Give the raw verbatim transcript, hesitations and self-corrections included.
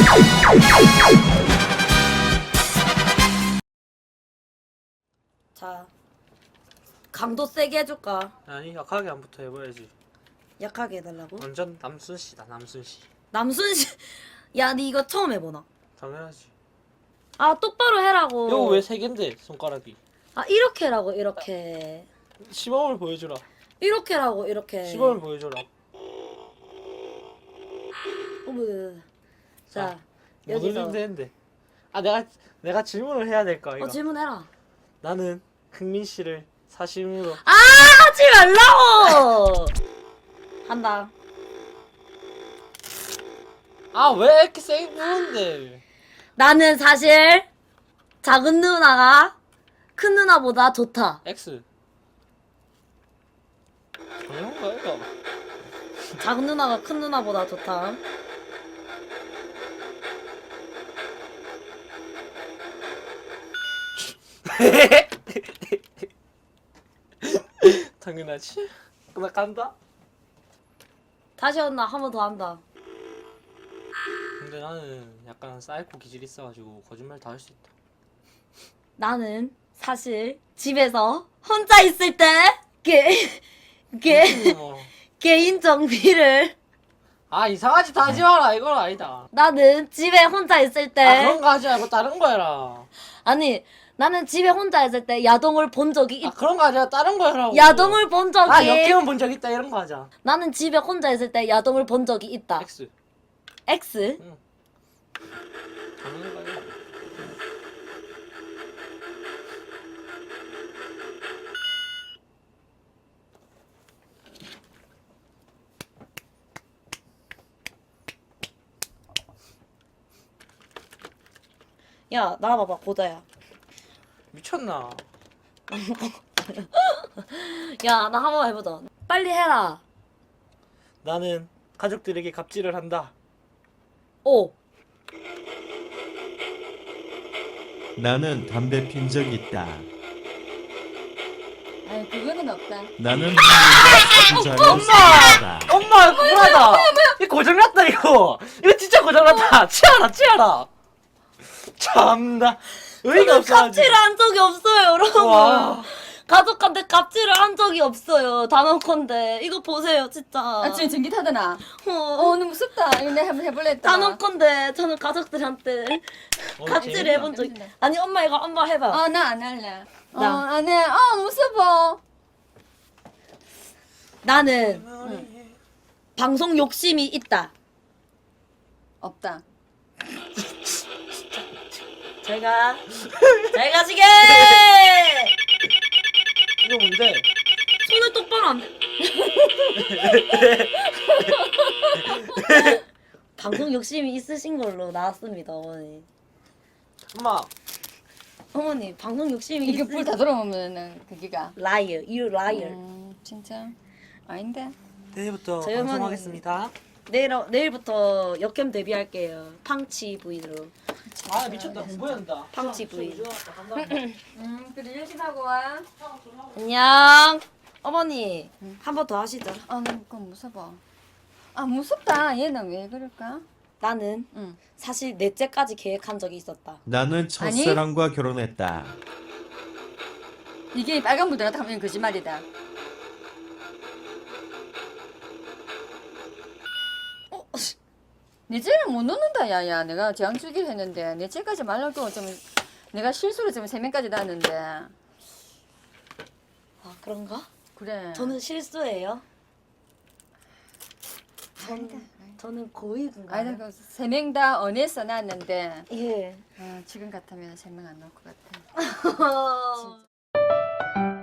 자, 강도 세게 해줄까? 아니 약하게 한부터 해봐야지. 약하게 해달라고? 완전 남순 씨다 남순 씨. 남순 씨, 야, 니 이거 처음 해보나? 당연하지. 아, 똑바로 해라고. 이거 왜 세 개인데 손가락이? 아, 이렇게 해라고, 이렇게. 시범을 보여주라. 이렇게 해라고, 이렇게. 시범을 보여줘라. 어머. 자, 못 여기서. 올리면 되는데. 아 내가 내가 질문을 해야 될까 이거. 어, 질문해라. 나는 흥민 씨를 사심으로. 아, 하지 말라고! 한다. 아 왜 이렇게 세게 부는데? 나는 사실 작은 누나가 큰 누나보다 좋다. X. 당연한 거야 이거. 작은 누나가 큰 누나보다 좋다. 당연하지. 나 간다. 다시 한다. 한 번 더 한다. 근데 나는 약간 사이코 기질이 있어가지고 거짓말 다 할 수 있다. 나는 사실 집에서 혼자 있을 때 게, 게, 뭐. 개인 정비를 아 이상한 짓 하지 마라. 이건 아니다. 나는 집에 혼자 있을 때 아 그런 거 하지 말고 다른 거 해라. 아니 나는 집에 혼자 있을 때 야동을 본 적이 있 아 그런 거 하지 말고 다른 거 해라고. 야동을 본 적이 아 역경은 본 적 있다 이런 거 하자. 나는 집에 혼자 있을 때 야동을 본 적이 있다. X. X? 응. 당연한 거야. 야 나와봐봐 고자야. 미쳤나? 야 나 한 번 해보자. 빨리 해라. 나는 가족들에게 갑질을 한다. 오. 나는 담배 핀 적 있다. 아니 그거는 없다. 나는 부자를 사랑한다. 엄마 불하다. 이거 고장났다 이거. 이거 진짜 고장났다. 치아라 치아라. 참나 의의가 없어. 갑질을 한 적이 없어요 여러분. 와. 가족한테 갑질을 한 적이 없어요. 단언컨대 이거 보세요 진짜. 아 지금 전기 타더나. 어, 어 너무 무섭다. 이거 내가 한번 해볼래 했다. 단언컨대 저는 가족들한테 어, 갑질을 재밌다. 해본 적. 아니 엄마 이거 엄마 해봐. 어나 안 할래. 나. 어안 해. 아 무서워. 나는 방송 욕심이 있다. 없다. 제가 잘 가시게. 이거 뭔데? 손을 똑바로 안 대. 방송 욕심이 있으신 걸로 나왔습니다 어머니. 엄마. 어머니 방송 욕심이 이게 있으. 불 다 들어오면은 그기가. Liar, you liar. 음 진짜 아닌데. 내일부터 저희 어머니- 방송하겠습니다. 내일 내일부터 역캠 데뷔할게요. 팡치 부인으로. 아 미쳤다. 공부한다. 팡치 부인. 음 그래 열심히 하고 와. 안녕. 어머니 한 번 더 하시죠. 아 너무 그건 무서워. 아 무섭다. 얘는 왜 그럴까? 나는 응. 사실 넷째까지 계획한 적이 있었다. 나는 첫사랑과 결혼했다. 이게 빨간 불 들어갔다 하면 거짓말이다. 어? 넷째는 못 넣는다 야야. 내가 제왕 주기로 했는데 넷째까지 말라고 좀 내가 실수로 좀 세 명까지 났는데. 아 그런가? 그래. 저는 실수예요. 아니다. 저는 고의군가요? 아니다 그세 명 다 언에서 났는데 예. 아, 지금 같으면 세 명 안 나올 것 같아. 진짜.